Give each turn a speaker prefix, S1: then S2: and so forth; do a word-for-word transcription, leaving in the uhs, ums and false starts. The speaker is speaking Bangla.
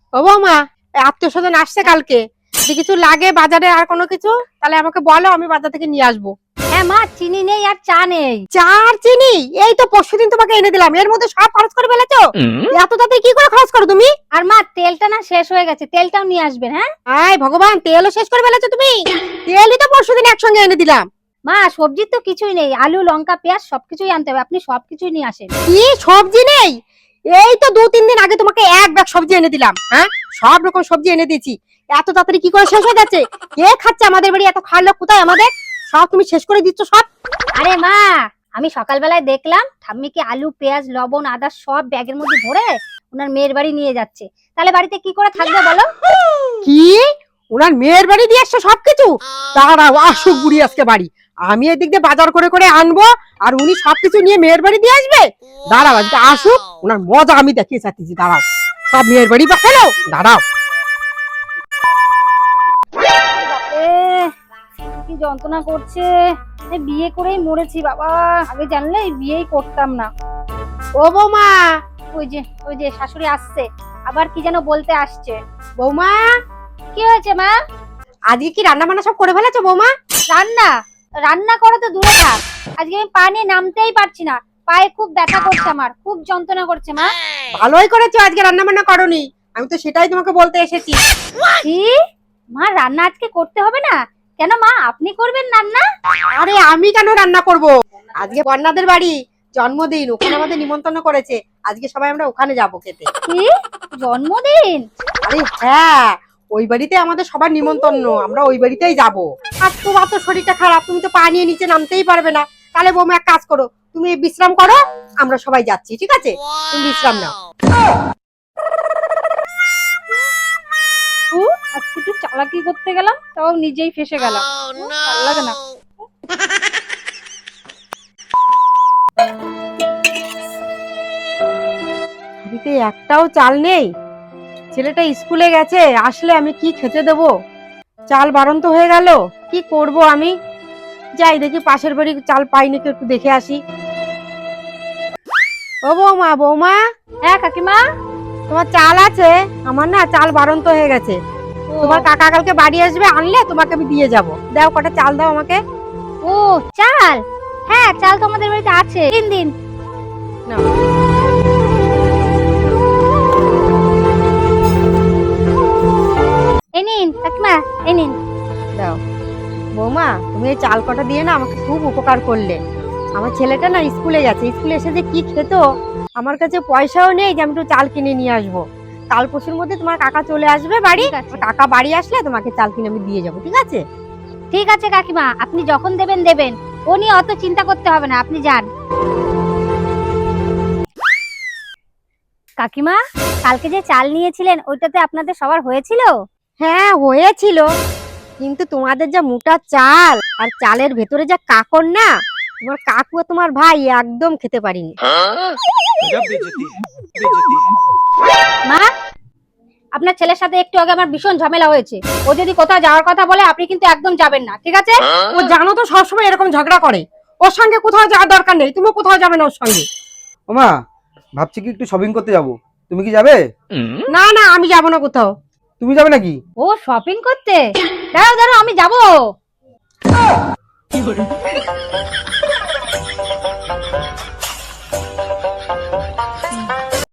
S1: ও বৌমা, আত্মীয় স্বজন আসছে কালকে, যদি কিছু লাগে বাজারে আর কোনো কিছু তাহলে আমাকে বলো, আমি বাজার থেকে নিয়ে আসবো।
S2: হ্যাঁ মা, চিনি নেই আর চা নেই।
S1: চার চিনি এই তো পরশুদিন তোমাকে এনে দিলাম, এর মধ্যে সব খরচ করে ফেলেছো। এত তাতে কি করে খরচ করো তুমি?
S2: আর মা, তেলটা না শেষ হয়ে গেছে, তেলটাও নিয়ে আসবেন। হ্যাঁ
S1: আয় ভগবান, তেলও শেষ করে ফেলেছো তুমি। তেলই তো পরশুদিন একসঙ্গে এনে দিলাম।
S2: মা, সবজির তো কিছুই নেই, আলু লঙ্কা পেঁয়াজ সবকিছুই আনতে হবে, আপনি সবকিছুই নিয়ে আসেন।
S1: কি সবজি নেই? এই তো দু তিন দিন আগে তোমাকে এক ব্যাগ সবজি এনে দিলাম। হ্যাঁ, সব রকম সবজি এনে দিয়েছি, এত তাড়াতাড়ি কি করে শেষ হয়ে যাচ্ছে? কে খাচ্ছে আমাদের বাড়ি? এত খাওয়ার লোক কোথায় আমাদের? সব তুমি শেষ করে দিচ্ছ সব।
S2: আরে মা, আমি সকালবেলায় দেখলাম ঠাম্মিকে আলু পেঁয়াজ লবণ আদা সব ব্যাগের মধ্যে ভরে ওনার মেয়ের বাড়ি নিয়ে যাচ্ছে, তাহলে বাড়িতে কি করে থাকবে বলো?
S1: কি ওনার মেয়ের বাড়ি দিয়ে আসছো সবকিছু? দাঁড়াও, আসুক বুড়ি আজকে বাড়ি, আমি এদিক দিয়ে বাজার করে করে আনবো আর উনি সবকিছু নিয়ে মেয়ের বাড়ি দিয়ে আসবে। দাঁড়াও, আজকে আসুক, ওনার মজা আমি দেখিয়ে চাচ্ছি। দাঁড়াও, সব মেয়ের বাড়ি পাঠালো, দাঁড়াও।
S2: এ, কি যন্ত্রণা করছে, এই বিয়ে করেই মরেছি বাবা, আগে জানলে এই বিয়েই করতাম না।
S1: ও বৌমা,
S2: ওই যে ওই যে শাশুড়ি আসছে, আবার কি যেন বলতে আসছে।
S1: বৌমা
S2: কি হয়েছে মা?
S1: আজকে কি রান্না বান্না সব করে ফেলেছো বৌমা?
S2: রান্না রান্না করা তো দূরে থাক, আজকে আমি পা নিয়ে নামতেই পারছি না, পায়ে খুব ব্যথা করছে, আমার খুব যন্ত্রণা করছে মা।
S1: ভালোই করেছো আজকে রান্না বান্না করোনি, আমি তো সেটাই তোমাকে বলতে এসেছি।
S2: কি মা, রান্না আজকে করতে হবে না? কেন মা, আপনি করবেন রান্না?
S1: আরে আমি কেন রান্না করব? আজকে বন্যাদের বাড়ি জন্মদিন, ওখানে আমাদের নিমন্ত্রণ করেছে, আজকে সবাই আমরা ওখানে যাবো খেতে।
S2: কি জন্মদিন?
S1: আরে হ্যাঁ, ওই বাড়িতে আমাদের সবার নিমন্ত্রণ, আমরা ওই বাড়িতেই যাবো। আর তোমার তো শরীরটা খারাপ, তুমি তো পা নিয়ে নিচে নামতেই পারবে না, তাহলে বৌমা এক কাজ করো, তুমি বিশ্রাম করো, আমরা সবাই যাচ্ছি, ঠিক আছে? তুমি বিশ্রাম নাও।
S2: ও, আজকে একটু চালাকি করতে গেলাম, তাও নিজেই ফেসে গেলাম, ভালো লাগে না।
S1: বাড়িতে একটাও চাল নেই, ছেলেটা স্কুলে গেছে, আসলে আমি কি খেতে দেবো? চাল বারন্ত হয়ে গেল, কি করব আমি? যাই দেখি পাশের বাড়ি চাল পাই নাকি, একটু দেখে আসি। ও বৌমা, বৌমা,
S2: হ্যাঁ কাকিমা।
S1: তোমার চাল আছে? আমার না চাল বারন্ত হয়ে গেছে, তোমার কাকা কালকে বাড়ি আসবে, আনলে তোমাকে আমি দিয়ে যাব। দাও কটা চাল দাও আমাকে।
S2: ও, চাল? হ্যাঁ, চাল তো আমাদের বাড়িতে আছে, তিন দিন।
S1: নাও।
S2: এই নিন কাকিমা, এই নিন।
S1: দাও বৌমা, তুমি এই চাল কটা দিয়ে না আমাকে খুব উপকার করলে। আমার ছেলেটা না স্কুলে গেছে, স্কুলে এসে যে কি খেত, আমার কাছে পয়সাও নেই যে আমি একটু চাল কিনে নিয়ে আসবো। কাল পরশুর মধ্যে তোমার কাকা চলে আসবে বাড়ি,
S2: ঠিক আছে।
S1: কাকা বাড়ি আসলে তোমাকে চাল কিনে আমি দিয়ে যাবো, ঠিক আছে?
S2: ঠিক আছে কাকিমা, আপনি যখন দেবেন দেবেন, ও নিয়ে অত চিন্তা করতে হবে না, আপনি যান। কাকিমা, কালকে যে চাল নিয়েছিলেন ওইটাতে আপনাদের সবার হয়েছিল?
S1: হ্যাঁ হয়েছিল, কিন্তু তোমাদের যা মোটা চাল আর চালের ভেতরে যা কাকড় না, তোমার কাকু আর তোমার ভাই একদম খেতে পারিনি।
S2: মা, আপনার ছেলের সাথে একটু আগে আমার ভীষণ ঝামেলা হয়েছে, ও যদি কোথাও যাওয়ার কথা বলে আপনি কিন্তু একদম যাবেন না, ঠিক আছে?
S1: ও জানো তো সবসময় এরকম ঝগড়া করে, ওর সঙ্গে কোথাও যাওয়ার দরকার নেই, তুমি কোথাও যাবে না ওর সঙ্গে।
S3: ওমা, ভাবছি কি একটু শপিং করতে যাব, তুমি কি যাবে?
S1: না না, আমি যাবো না কোথাও।
S3: তুমি যাবে নাকি?
S2: ও শপিং করতে? দাঁড়াও দাঁড়াও, আমি যাবো।